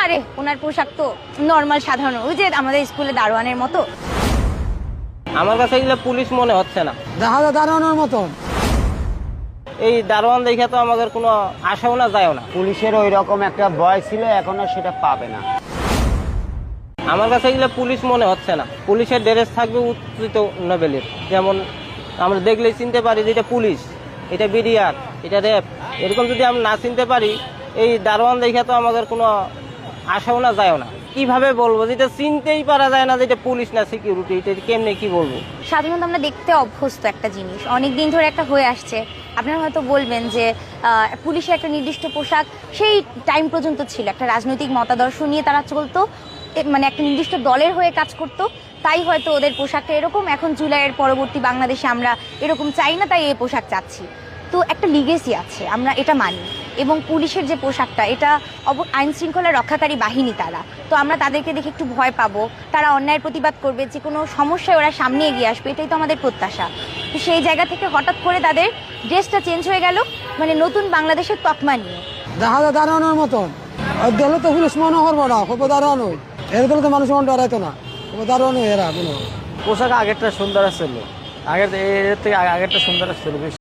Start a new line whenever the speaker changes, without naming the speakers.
আরে ওনার পোশাক তো নর্মাল সাধারণ, ওই যে আমাদের স্কুলে দারোয়ানের মতো।
আমার কাছে এগুলো পুলিশ মনে হচ্ছে না।
দেখা যায় দাঁড়ানোর মতন।
এই দারোয়ান দেখে তো আমাদের কোনো আশাও না যায়ও না।
পুলিশের ওই রকম একটা ভয় ছিল, এখনো সেটা পাবে না।
আমার কাছে এগুলো পুলিশ মনে হচ্ছে না। পুলিশের ড্রেস থাকবে উচ্চিত লেভেলের, যেমন আমরা দেখলেই চিনতে পারি যে এটা পুলিশ, এটা বিডিআর, এটা র্যাব। এরকম যদি আমরা না চিনতে পারি, এই দারোয়ান দেখে তো আমাদের কোনো আশাও না যায়ও না। কিভাবে বলবো যেটা চিনতেই পারা যায় না যে এটা পুলিশ না সিকিউরিটি, এটা কেমনে কি বলবো।
সাধারণত আমরা দেখতে অভ্যস্ত একটা জিনিস, অনেক দিন ধরে একটা হয়ে আসছে। আপনারা হয়তো বলবেন যে পুলিশের একটা নির্দিষ্ট পোশাক সেই টাইম পর্যন্ত ছিল, একটা রাজনৈতিক মতাদর্শ নিয়ে তারা চলতো, মানে একটা নির্দিষ্ট দলের হয়ে কাজ করতো, তাই হয়তো ওদের পোশাকটা এরকম। এখন জুলাইয়ের পরবর্তী বাংলাদেশে আমরা এরকম চাই না, তাই এই পোশাক চাচ্ছি। তো একটা লিগেসি আছে, আমরা এটা মানি। এবং পুলিশের যে পোশাকটা, এটা আইন শৃঙ্খলা রক্ষাকারী বাহিনী তারা, তো আমরা তাদেরকে দেখে একটু ভয় পাবো, তারা অন্যায়ের প্রতিবাদ করবে, যে কোনো সমস্যায় ওরা সামনে এগিয়ে আসবে, এটাই তো আমাদের প্রত্যাশা। তো সেই জায়গা থেকে হঠাৎ করে তাদের ড্রেসটা চেঞ্জ হয়ে গেল, মানে নতুন বাংলাদেশের তকমা নিয়ে।
দেখা যায় দাঁড়ানোর মতন। দিলে তো পুলিশ মনে করবো না, খুব দাঁড়ানো। এর দিলে তো মানুষ মন ডরাইতো না, খুব দাঁড়ানো এরা কোনো।
পোশাক আগেরটা সুন্দর ছিল, আগের এর থেকে আগেরটা সুন্দর ছিল বেশি।